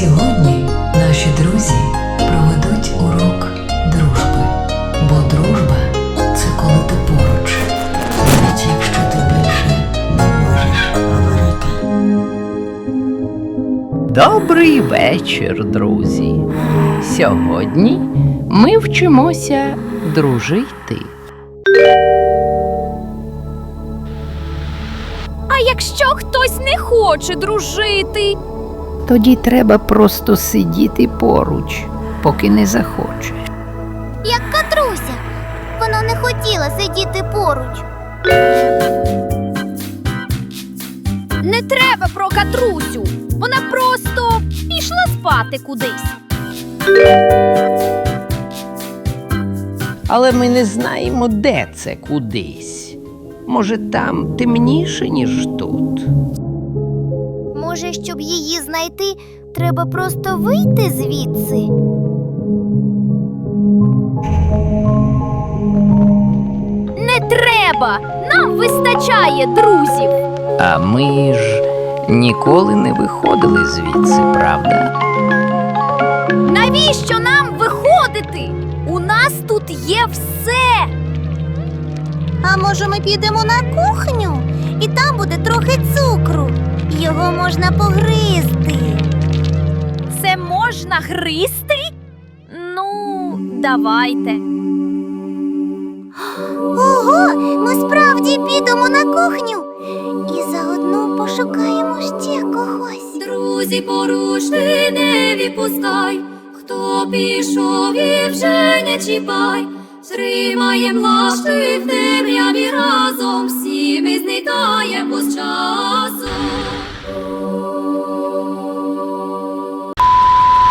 Сьогодні наші друзі проведуть урок дружби, бо дружба – це коли ти поруч, навіть якщо ти більше не можеш говорити. Добрий вечір, друзі! Сьогодні ми вчимося дружити. А якщо хтось не хоче дружити? Тоді треба просто сидіти поруч, поки не захоче. Як Катруся. Вона не хотіла сидіти поруч. Не треба про Катрусю. Вона просто пішла спати кудись. Але ми не знаємо, де це кудись. Може, там темніше, ніж тут. Може, щоб її знайти, треба просто вийти звідси? Не треба! Нам вистачає друзів. А ми ж ніколи не виходили звідси, правда? Навіщо нам виходити? У нас тут є все. А може ми підемо на кухню? І там буде трохи цукру. Його можна погризти. Це можна гризти? Ну, давайте. Ого, ми справді підемо на кухню. І заодно пошукаємо ще когось. Друзі, поруч ти не відпускай, хто пішов і вже не чіпай. Зримаєм лашти в темряві разом, всі ми знайдемо.